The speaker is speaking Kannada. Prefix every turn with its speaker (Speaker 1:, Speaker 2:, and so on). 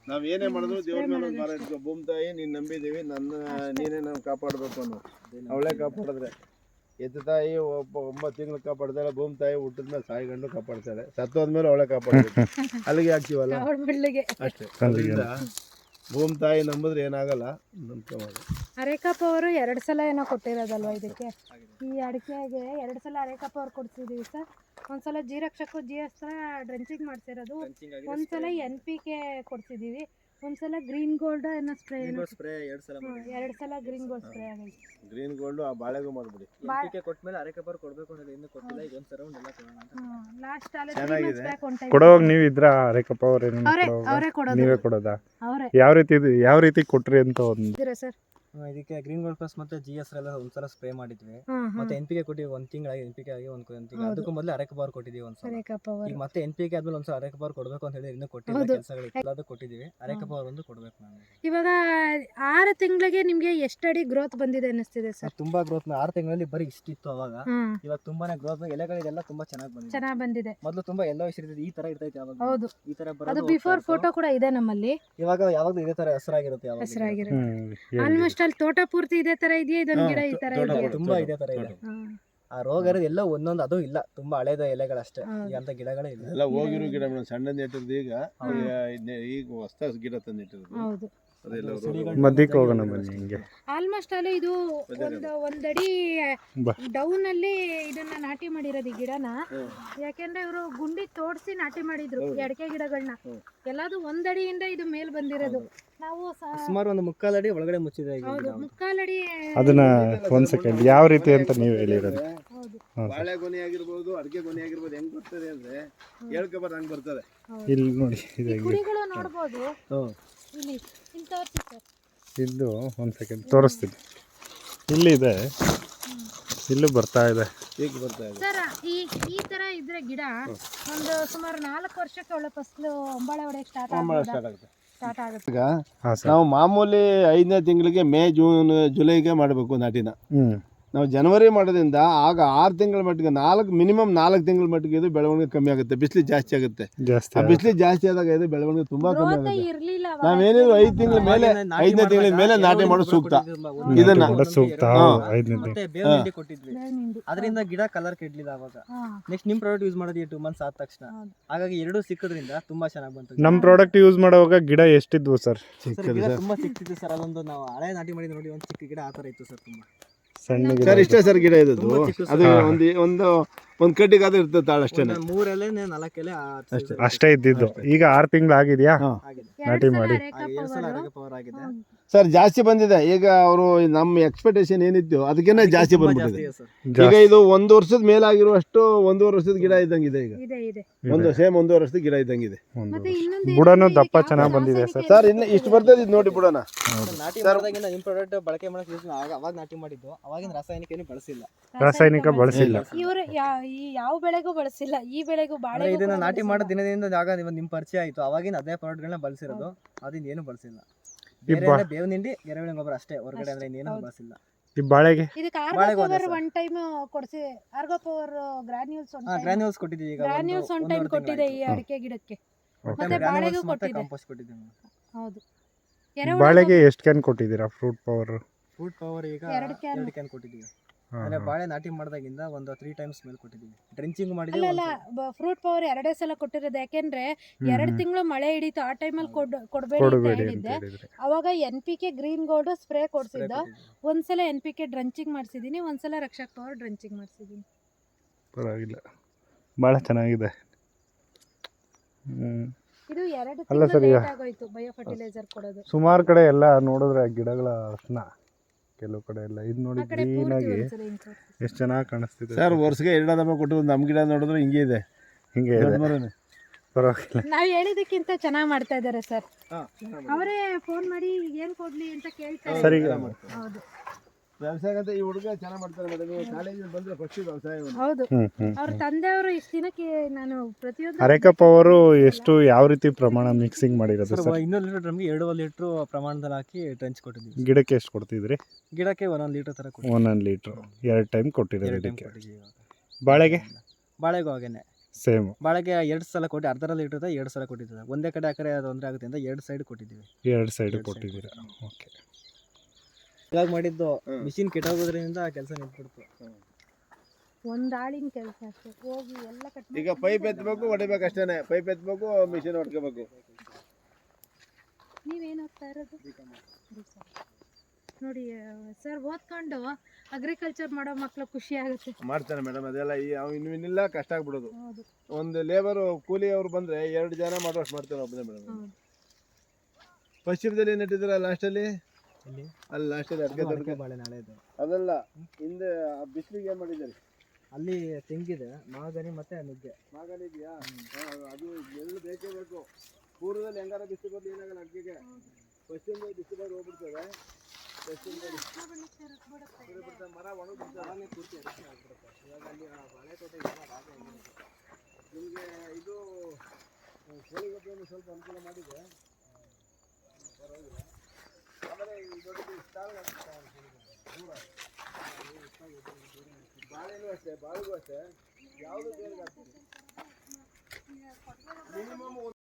Speaker 1: ನಾವ್ ಏನೇ ಮಾಡಿದ್ರು ದೇವ್ರ ಮೇಲೆ ಒಂದು ಭಾರ ಇಟ್ಕೊ. ಭೂಮಿ ತಾಯಿ ನೀನ್ ನಂಬಿದೀವಿ, ನೀನೇ ನಾವು ಕಾಪಾಡ್ಬೇಕು ಅನ್ನೋ ಅವಳೇ ಕಾಪಾಡಿದ್ರೆ. ಎತ್ತು ತಾಯಿ 9 ತಿಂಗಳು ಕಾಪಾಡ್ತಾಳೆ, ಭೂಮಿ ತಾಯಿ ಹುಟ್ಟಿದ ಮೇಲೆ ಸಾಯಿಗಂಡು ಕಾಪಾಡ್ತಾಳೆ, ಸತ್ತೋದ್ಮೇಲೆ ಅವಳೇ ಕಾಪಾಡ್ಬೇಕು. ಅಲ್ಲಿಗೆ ಹಾಕ್ತೀವಲ್ಲ ಅಷ್ಟೇ. ಭೂಮಿ ತಾಯಿ ನಂಬಿದ್ರೆ ಏನಾಗಲ್ಲ, ನಂಬ್ಕೋಬೋದು.
Speaker 2: ಅರೇಕಪ್ಪ ಅವರು 2 ಸಲ ಏನೋ ಕೊಟ್ಟಿರೋದಲ್ವಾ ಇದಕ್ಕೆ? ಈ ಅಡಿಕೆಗೆ 2 ಸಲ ಅರೇಕಪ್ಪ ಅವ್ರು ಕೊಡ್ಸಿದೀವಿ ಸರ್. ಒಂದ್ಸಲ ಜೀರಕ್ಷಕ್ಕೂ ಜಿಎಸ್ತ್ರ ಡ್ರೆಂಚಿಂಗ್ ಮಾಡ್ಸಿರೋದು, ಒಂದ್ಸಲ NPK ಕೊಡ್ಸಿದೀವಿ, ಒಂದ್ಸಲ ಗ್ರೀನ್ ಗೋಲ್ಡ್ ಏನೋ ಸ್ಪ್ರೇ 2 ಸಲ ಗ್ರೀನ್ ಗೋಲ್ಡ್ ಸ್ಪ್ರೇ ಆಗೈತೆ.
Speaker 1: ಗ್ರೀನ್ ಗೋಲ್ಡ್ ಆ ಬಾಳೆಗೂ ಮಾಡ್ಬಿಡಿ.
Speaker 3: NPK ಕೊಟ್ಮೇಲೆ ಅರೇಕಪ್ಪ ಅವ್ರು ಕೊಡ್ಬೇಕು ಅನ್ನೋದು ಇನ್ನೂ ಕೊಟ್ಟಿಲ್ಲ. ಈಗ ಒಂದು ರೌಂಡ್ ಎಲ್ಲ ಕೊಡೋಣ ಅಂತ.
Speaker 2: ಲಾಸ್ಟ್ ಅಲ್ಲಿ
Speaker 4: ಕೊಡೋವಾಗ ನೀವು ಇದ್ರ ಅರೇಕಪ್ಪ ಅವ್ರೇನು
Speaker 2: ಅವರೇ ಕೊಡೋದು.
Speaker 4: ನೀವೇ ಕೊಡೋದಾ?
Speaker 2: ಅವರೇ.
Speaker 4: ಯಾವ ರೀತಿ ಕೊಟ್ರಿ ಅಂತ ಒಂದು
Speaker 2: ಸರ್?
Speaker 3: ಇದಕ್ಕೆ ಗ್ರೀನ್ ಗೋಲ್ಡ್ ಪ್ಲಸ್ ಮತ್ತೆ GS ಎಲ್ಲ ಒಂದ್ಸಲ ಸ್ಪ್ರೇ ಮಾಡಿದ್ವಿ. ಮತ್ತೆ NPK ಕೊಟ್ಟಿವಿ, 1 ತಿಂಗಳಾಗಿ NPK ಆಗಿ 1 ತಿಂಗಳು. ಅದಕ್ಕೂ ಮೊದಲು ಅರೇಕಪ್ಪ ಅವ್ರು ಕೊಟ್ಟಿದೀವಿ ಒಂದ್ಸಲ. ಈಗ ಮತ್ತೆ NPK ಆದ್ಮೇಲೆ ಒಂದ್ಸಲ ಅರೇಕಪ್ಪ ಅವ್ರು ಕೊಡ್ಬೇಕು ಅಂತ ಹೇಳಿ ಇನ್ನೂ ಕೊಟ್ಟಿಲ್ಲ, ಕೆಲಸಗಳು ಎಲ್ಲದೂ ಕೊಟ್ಟಿದೀವಿ. ಅರೇಕಪ್ಪ ಅವ್ರು ಒಂದು ಕೊಡ್ಬೇಕು. ನಾನು
Speaker 2: ಇವಾಗ 6 ತಿಂಗಳಿಗೆ ನಿಮ್ಗೆ ಎಷ್ಟು ಅಡಿ ಗ್ರೋತ್ ಬಂದಿದೆ ಅನ್ನಿಸ್ತಿದೆ ಸರ್?
Speaker 3: ತುಂಬಾ ಗ್ರೋತ್ 6 ತಿಂಗಳಲ್ಲಿ ಬರೀ ಇಷ್ಟಿತ್ತು ಅವಾಗ. ಇವಾಗ ತುಂಬಾನೇ ಗ್ರೋತ್, ಎಲೆಗಳಿಗೆಲ್ಲ ತುಂಬಾ ಚೆನ್ನಾಗಿ ಬಂದಿದೆ. ಮೊದಲು ತುಂಬಾ ಎಲ್ಲೋ ಇರ್ತಿದೆ, ಈ ತರ ಇರ್ತೈತೆ ಅವಾಗ.
Speaker 2: ಹೌದು,
Speaker 3: ಈ ತರ
Speaker 2: ಅದು ಬಿಫೋರ್ ಫೋಟೋ ಕೂಡ ಇದೆ ನಮ್ಮಲ್ಲಿ.
Speaker 3: ಇವಾಗ ಯಾವಾಗಲೂ ಇದೇ ತರ ಹೆಸರಾಗಿರುತ್ತೆ.
Speaker 2: ಆಲ್ಮೋಸ್ಟ್ ಅಲ್ಲಿ ತೋಟ ಪೂರ್ತಿ ಇದೇ ತರ ಇದೆಯಾ? ಇದೊಂದು ಗಿಡ ಈ ತರ ಇದೆಯಾ?
Speaker 3: ತುಂಬಾ ಇದೇ ತರ ಇದೆ. ಆ ರೋಗ ಇರೋದು ಎಲ್ಲ ಒಂದೊಂದು, ಅದು ಇಲ್ಲ, ತುಂಬಾ ಹಳೇದ ಎಲೆಗಳಷ್ಟೇ, ಅಂತ ಗಿಡಗಳೇ ಇಲ್ಲ.
Speaker 1: ಎಲ್ಲ ಹೋಗಿರೋ ಗಿಡ ಮೇಡಮ್, ಸಣ್ಣ ನೆಟ್ಟಿರೋದು. ಈಗ ಹೊಸ ಗಿಡ ತಂದು ನೆಟ್ಟಿರೋದು.
Speaker 2: ಹೌದು,
Speaker 4: ಮಧ್ಯಕ್ಕೆ ಹೋಗೋಣ ಬನ್ನಿ. ಹಿಂಗೆ
Speaker 2: ಆಲ್ಮೋಸ್ಟ್ ಅಲ್ಲಿ ಇದು ಒಂದಡಿ ಡೌನ್ ಅಲ್ಲಿ ಇದನ್ನ ನಾಟಿ ಮಾಡಿರೋದು ಈ ಗಿಡನ. ಯಾಕೆಂದ್ರೆ ಇವರು ಗುಂಡಿ ತೋಡ್ಸಿ ನಾಟಿ ಮಾಡಿದ್ರು ಈ ಅಡಿಕೆ ಗಿಡಗಳನ್ನ. ಎಲ್ಲಾದು 1 ಅಡಿಯಿಂದ ಇದು ಮೇಲ್ ಬಂದಿರೋದು. ನಾವು
Speaker 3: ಸುಮಾರು 1/4 ಅಡಿ ಒಳಗಡೆ ಮುಚ್ಚಿದೆ.
Speaker 2: ಹೌದು, 1/4 ಅಡಿ.
Speaker 4: ಅದನ್ನ ಒಂದ್ ಸೆಕೆಂಡ್, ಯಾವ ರೀತಿ ಅಂತ ನೀವು ಹೇಳಿರೋದು?
Speaker 1: ಬಾಳೆ ಗೊನೆ ಆಗಿರ್ಬೋದು, ಅಡಿಕೆ ಗೊನೆ ಆಗಿರ್ಬೋದು. ಹೆಂಗ್ ಬರ್ತದೆ ಅಂದ್ರೆ ಹೇಳ್ಕೊಬಾರ ಹಂಗ್ ಬರ್ತದೆ.
Speaker 4: ಇಲ್ಲಿ ನೋಡಿ,
Speaker 2: ಕುಡಿಗಳು ನೋಡ್ಬೋದು ಇಲ್ಲಿ. ತೋರಿಸಿ ಸರ್.
Speaker 4: ಇದು ಒಂದ್ ಸೆಕೆಂಡ್ ತೋರಿಸ್ತೀನಿ. ಇಲ್ಲಿದೆ, ಇಲ್ಲೂ ಬರ್ತಾ ಇದೆ.
Speaker 1: ಈಗ ಬರ್ತಾ ಇದೆ
Speaker 2: ಸರ್. ಈ ತರ ಇದ್ರೆ ಗಿಡ ಒಂದು ಸುಮಾರು 4 ವರ್ಷಕ್ಕೆ ಒಳ್ಳೆ ಫಸಲು ಅಂಬಾಳೆ ಹೊಡೆಯಕ್ಕೆ ಸ್ಟಾರ್ಟ್ ಆಗುತ್ತೆ.
Speaker 1: ಈಗ ನಾವು ಮಾಮೂಲಿ 5ನೇ ತಿಂಗಳಿಗೆ ಮೇ ಜೂನ್ ಜುಲೈಗೆ ಮಾಡಬೇಕು ನಾಟಿನ. ನಾವು ಜನವರಿ ಮಾಡೋದ್ರಿಂದ ಆಗ 6 ತಿಂಗಳ ಮಟ್ಟಿಗೆ ಮಿನಿಮಮ್ 4 ತಿಂಗಳ ಮಟ್ಟಿಗೆ ಇದು ಬೆಳವಣಿಗೆ ಕಮ್ಮಿ ಆಗುತ್ತೆ. ಬಿಸಿಲು ಜಾಸ್ತಿ ಆಗುತ್ತೆ. ಬಿಸಿಲು ಜಾಸ್ತಿ ಆದಾಗ ಇದು ಬೆಳವಣಿಗೆ ತುಂಬಾ ಕಮ್ಮಿ ಆಗುತ್ತೆ. ನಾವೇನಿದ್ರು 5 ತಿಂಗಳ ಮೇಲೆ, 5ನೇ ತಿಂಗಳ ಮೇಲೆ ನಾಟಿ ಮಾಡೋದು ಸೂಕ್ತ. ಇದನ್ನ
Speaker 3: ಅದರಿಂದ ಗಿಡ ಕಲರ್ ಕೆಡ್ಲಿಲ್ಲ ಅವಾಗ. ನೆಕ್ಸ್ಟ್ ನಿಮ್ ಪ್ರಾಡಕ್ಟ್ ಯೂಸ್ ಮಾಡೋದು 2 ಮಂತ್ಸ್ ಆದ ತಕ್ಷಣ. ಹಾಗಾಗಿ 2 ಸಿಕ್ಕೋದ್ರಿಂದ ತುಂಬಾ ಚೆನ್ನಾಗಿ ಬಂತು.
Speaker 4: ನಮ್ ಪ್ರಾಡಕ್ಟ್ ಯೂಸ್ ಮಾಡುವಾಗ ಗಿಡ ಎಷ್ಟಿದ್ವು ಸರ್?
Speaker 3: ತುಂಬಾ ಸಿಕ್ತಿತ್ತು ಸರ್. ಅದೊಂದು ನಾವು ಹಳೆ ನಾಟಿ ಮಾಡಿ ನೋಡಿ, ಒಂದು ಚಿಕ್ಕ ಗಿಡ ಆತರ ಇತ್ತು ಸರ್. ತುಂಬಾ
Speaker 4: ಸಣ್ಣ
Speaker 1: ಸರ್ ಇಷ್ಟೇ ಸರ್ ಗಿಡ ಇದ್ದದ್ದು. ಅದು ಒಂದು ಕಡ್ಡಿಗಾದ್ರೂ ಇರ್ತದೆ ತಾಳು ಅಷ್ಟೇ.
Speaker 3: 3 ಎಲೆ 4 ಎಲೆ
Speaker 4: ಅಷ್ಟೇ ಇದ್ದಿದ್ದು. ಈಗ 6 ತಿಂಗಳು ಆಗಿದೆಯಾ ನಾಟಿ ಮಾಡಿ?
Speaker 1: ಸರ್ ಜಾಸ್ತಿ ಬಂದಿದೆ. ಈಗ ಅವರು ನಮ್ಮ ಎಕ್ಸ್ಪೆಕ್ಟೇಷನ್ ಏನಿತ್ತು ಅದಕ್ಕಿಂತ ಜಾಸ್ತಿ ಬಂದ್ಬಿಟ್ಟಿದೆ. ಈಗ ಇದು 1 ವರ್ಷದ ಮೇಲಾಗಿರುವಷ್ಟು 1.5 ವರ್ಷದ ಗಿಡ ಇದ್ದಂಗಿದೆ. ಈಗ ಸೇಮ್ 1.5 ವರ್ಷದ ಗಿಡ ಇದ್ದಂಗಿದೆ.
Speaker 4: ಬುಡನು ದಪ್ಪ ಚೆನ್ನಾಗಿ ಬಂದಿದೆ ಸರ್.
Speaker 1: ಸರ್ ಇನ್ನು ಇಷ್ಟು ಬರ್ತದೆ, ಇದು ನೋಡಿ ಬುಡನ.
Speaker 3: ನಾಟಿ ಮಾಡಿದಾಗಿಂದ ನಿಮ್ ಪ್ರಾಡಕ್ಟ್ ಬಳಕೆ ಮಾಡಕ್ಕೆ ಯೂಸ್ ಅವಾಗ ನಾಟಿ ಮಾಡಿದ್ದು. ಅವಾಗಿನ ರಾಸಾಯನಿಕ ಏನು ಬಳಸಿಲ್ಲ.
Speaker 2: ಇವರು ಯಾವ ಬೆಳೆಗೂ ಬಳಸಿಲ್ಲ. ಈ ಬೆಳೆಗೂ ಬಾಳೆ
Speaker 3: ಇದನ್ನ ನಾಟಿ ಮಾಡೋ ದಿನದಿಂದ ಆಗ ನಿಮ್ ಪರಿಚಯ ಆಯ್ತು. ಅವಾಗಿನ ಅದೇ ಪ್ರಾಡಕ್ಟ್ಗಳನ್ನ ಬಳಸಿರೋದು. ಅದನ್ನ ಏನು ಬಳಸಿಲ್ಲ. ಬೇವಿನ ಹಿಂಡಿ, ಎರೆಹುಳ ಗೊಬ್ಬರ ಅಷ್ಟೇ ಹೊರಗಡೆ, ಅಂದ್ರೆ ಇನ್ನೇನು ಬಳಸಿಲ್ಲ.
Speaker 4: ಈ ಬಾಳೆಗೆ
Speaker 2: ಇದಕ್ಕೆ ಆರ್ಗೋಪವರ್ ಒನ್ ಟೈಮ್ ಕೊಡ್ಸಿ. ಆರ್ಗೋಪವರ್
Speaker 3: ಗ್ರಾನ್ಯೂಲ್ಸ್ ಕೊಟ್ಟಿದ್ದೀವಿ. ಈಗ
Speaker 2: ಗ್ರಾನ್ಯೂಲ್ಸ್ ಒನ್ ಟೈಮ್ ಕೊಟ್ಟಿದೆ ಈ ಅಡಿಕೆ ಗಿಡಕ್ಕೆ. ಮತ್ತೆ ಬಾಳೆಗೂ ಕೊಟ್ಟಿದೆ.
Speaker 3: ಕಾಂಪೋಸ್ಟ್ ಕೊಟ್ಟಿದ್ದೀವಿ.
Speaker 2: ಹೌದು.
Speaker 4: ಬಾಳೆಗೆ ಎಷ್ಟು ಕ್ಯಾನ್ ಕೊಟ್ಟಿದ್ದೀರಾ? ಫ್ರೂಟ್ ಪವರ್
Speaker 3: ಈಗ 2 ಕ್ಯಾನ್ ಕೊಟ್ಟಿದ್ದೀವಿ. ಅಂದ್ರೆ ಬಾಳೆ ನಾಟಿ ಮಾಡಿದಾಗಿಂದ ಒಂದು 3 ಟೈಮ್ಸ್ ಮೇಲೆ ಕೊಟ್ಟಿದ್ದೀವಿ. ಡ್ರೆಂಚಿಂಗ್ ಮಾಡಿದ್ದೀವಿ.
Speaker 2: ಅಲ್ಲ, ಫ್ರೂಟ್ ಪವರ್ 2 ಸಲ ಕೊಟ್ಟಿರೋದು. ಯಾಕೆಂದ್ರೆ 2 ತಿಂಗಳು ಮಳೆ ಹಿಡಿತು. ಆ ಟೈಮಲ್ಲಿ ಕೊಡಬೇಡಿ ಅಂತ ಹೇಳಿದ್ದೆ. ಅವಾಗ NPK ಗ್ರೀನ್ ಗೋಲ್ಡ್ ಸ್ಪ್ರೇ ಕೊಡ್ಸಿದ್ದು. ಒಂದ್ಸಲ NPK ಡ್ರೆಂಚಿಂಗ್ ಮಾಡಿಸಿದೀನಿ, ಒಂದ್ಸಲ ರಕ್ಷಕ್ ಪವರ್ ಡ್ರೆಂಚಿಂಗ್ ಮಾಡಿಸಿದೀನಿ.
Speaker 4: ಪರವಾಗಿಲ್ಲ, ಭಾಳ ಚೆನ್ನಾಗಿದೆ.
Speaker 2: ಇದು 2 ತಿಂಗಳು ಲೇಟ್ ಆಗೋಯ್ತು ಬಯೋ ಫರ್ಟಿಲೈಸರ್ ಕೊಡೋದು.
Speaker 4: ಸುಮಾರು ಕಡೆ ಎಲ್ಲ ನೋಡಿದ್ರೆ ಗಿಡಗಳ ಅರ್ಶನ, ಕೆಲವು ಕಡೆ ಎಲ್ಲ ಇದು ನೋಡಿ ಗ್ರೀನ್ ಆಗಿ ಎಷ್ಟು ಚೆನ್ನಾಗಿ ಕಾಣಿಸ್ತಿದೆ
Speaker 1: ಸರ್. ವರ್ಷಕ್ಕೆ 2 ದಮ ಕೊಟ್ಟು ನಮ್ಮ ಗಿಡ ನೋಡಿದ್ರೆ ಹಿಂಗೆ ಇದೆ.
Speaker 4: ಪರವಾಗಿಲ್ಲ.
Speaker 2: ನಾವು ಹೇಳಿದಕ್ಕಿಂತ ಚೆನ್ನಾಗಿ ಮಾಡ್ತಾ ಇದ್ದಾರೆ ಸರ್. ಅವರೇ ಫೋನ್ ಮಾಡಿ ಏನ್ ಕೊಡ್ಲಿ ಅಂತ ಕೇಳ್ತಾರೆ.
Speaker 4: ಸರಿ.
Speaker 2: ಹೌದು,
Speaker 1: ವ್ಯವಸಾಯ ಈ ಹುಡುಗ ಚೆನ್ನಾಗಿ ಮಾಡ್ತಾರೆ ಮೇಡಮ್. ಕಾಲೇಜಿಗೆ ಬಂದ್ರೆ ಫಸ್ಟ್ ವ್ಯವಸಾಯ.
Speaker 2: ಹೌದು, ಅವ್ರ ತಂದೆಯವರು ಇಷ್ಟು ದಿನಕ್ಕೆ ನಾನು ಪ್ರತಿಯೊಂದು
Speaker 4: ಅರೇಕಪ್ಪ ಅವರು ಎಷ್ಟು ಯಾವ ರೀತಿ ಪ್ರಮಾಣ ಮಿಕ್ಸಿಂಗ್ ಮಾಡಿರೋದು ಸರ್?
Speaker 3: 200 ಲೀಟರ್ ಡ್ರಮ್ಗೆ 2 ಲೀಟರ್ ಪ್ರಮಾಣದಲ್ಲಿ ಹಾಕಿ ಟ್ರೆಂಚ್ ಕೊಟ್ಟಿದ್ದೀವಿ.
Speaker 4: ಗಿಡಕ್ಕೆ ಎಷ್ಟು ಕೊಡ್ತಿದ್ರಿ?
Speaker 3: ಗಿಡಕ್ಕೆ 1 ಲೀಟರ್ ತರ
Speaker 4: 1 ಲೀಟರ್ 2 ಟೈಮ್ ಕೊಟ್ಟಿರೋದು ಇದಕ್ಕೆ. ಬಾಳೆಗೂ
Speaker 3: ಹಾಗೇನೆ
Speaker 4: ಸೇಮ್
Speaker 3: ಬಾಳೆಗೆ 2 ಸಲ ಕೊಟ್ಟು ಅರ್ಧರಲ್ಲಿ ಇಟ್ಟಿರ್ತಾರೆ 2 ಸಲ ಕೊಟ್ಟಿದ್ದಾರೆ. ಒಂದೇ ಕಡೆ ಆ ಕಡೆ ತೊಂದರೆ ಆಗುತ್ತೆ ಅಂತ 2 ಸೈಡ್ ಕೊಟ್ಟಿದ್ದೀವಿ.
Speaker 4: 2 ಸೈಡ್ ಕೊಟ್ಟಿದ್ದೀರಾ. ಓಕೆ.
Speaker 3: ಇವಾಗ ಮಾಡಿದ್ದು ಮಿಷಿನ್ ಕೆಟ್ಟೋಗೋದ್ರಿಂದ ಕೆಲಸ ನಿಂತ್ಬಿಡ್ತು.
Speaker 2: ಒಂದು ಆಳಿನ ಕೆಲಸ ಅಷ್ಟೇ, ಹೋಗಿ ಎಲ್ಲ ಕಟ್
Speaker 1: ಈಗ ಪೈಪ್ ಎತ್ತಬೇಕು ಹೊಡಿಬೇಕು ಅಷ್ಟೇನೆ. ಪೈಪ್ ಎತ್ತಬೇಕು, ಮಿಷಿನ್ ಹೊಡ್ಕೋಬೇಕು.
Speaker 2: ನೀವೇನು ಓದ್ತಾ ಇರೋದು? ನೋಡಿ ಸರ್, ಓದ್ಕೊಂಡು ಅಗ್ರಿಕಲ್ಚರ್ ಮಾಡೋ ಮಕ್ಳು ಖುಷಿ ಆಗುತ್ತೆ.
Speaker 1: ಮಾಡ್ತಾನೆ ಮೇಡಮ್, ಅದೆಲ್ಲ ಇನ್ನಿಲ್ಲ, ಕಷ್ಟ ಆಗ್ಬಿಡೋದು.
Speaker 2: ಹೌದು
Speaker 1: ಒಂದು ಲೇಬರು ಕೂಲಿ ಅವ್ರು ಬಂದರೆ 2 ಜನ ಮಾಡುವಷ್ಟು ಮಾಡ್ತಾರೆ ಒಬ್ಬನೇ ಮೇಡಮ್.
Speaker 2: ಹೌದು.
Speaker 1: ಪಶ್ಚಿಮದಲ್ಲಿ ಏನು ನೆಟ್ಟಿದ್ದೀರಾ ಲಾಸ್ಟಲ್ಲಿ?
Speaker 3: ಇಲ್ಲಿ
Speaker 1: ಅಲ್ಲಿ ಲಾಸ್ಟಲ್ಲಿ
Speaker 3: ಅಡಿಕೆ ಬಾಳೆ ನಾಳೆ ಇದೆ.
Speaker 1: ಅದಲ್ಲ, ಹಿಂದೆ ಬಿಸಿಲಿಗೆ ಏನು ಮಾಡಿದ್ದೀರಿ?
Speaker 3: ಅಲ್ಲಿ ತೆಂಗಿದೆ, ಮಾಗನಿ ಮತ್ತೆ ನುಗ್ಗೆ.
Speaker 1: ಮಾಗನ ಇದೆಯಾ? ಅದು ಎಳ್ಳು ಬೇಕೇ ಬೇಕು. ಪೂರ್ವದಲ್ಲಿ ಹೆಂಗಾರ ಬಿಸಿಲು ಬರಲಿ ಏನಾಗಲ್ಲ ಅಡಿಕೆಗೆ. ಪಶ್ಚಿಮದಲ್ಲಿ ಬಿಸಿಲು ಬರೋದು ಹೋಗ್ಬಿಡ್ತದೆ. ಪಶ್ಚಿಮದಲ್ಲಿ ಮರ ಒಣಗಿಬಿಡ್ತದೆ. ಪೂರ್ತಿ ಆಗ್ಬಿಡುತ್ತೆ. ಇವಾಗ ಅಲ್ಲಿ ಬಾಳೆ ತೋಟ ನಿಮಗೆ ಇದು ಕೋಳಿ ಗೊಬ್ಬರವನ್ನು ಸ್ವಲ್ಪ ಅನುಕೂಲ ಮಾಡಿದೆ, ಪರವಾಗಿಲ್ಲ. ಆಮೇಲೆ ಈ ದೊಡ್ಡದು ದೂರ ಬಾಳೆನೂ ಅಷ್ಟೇ, ಬಾಳೆಗೂ ಅಷ್ಟೇ, ಯಾವುದು ಬೇರೆ ಮಿನಿಮಮ್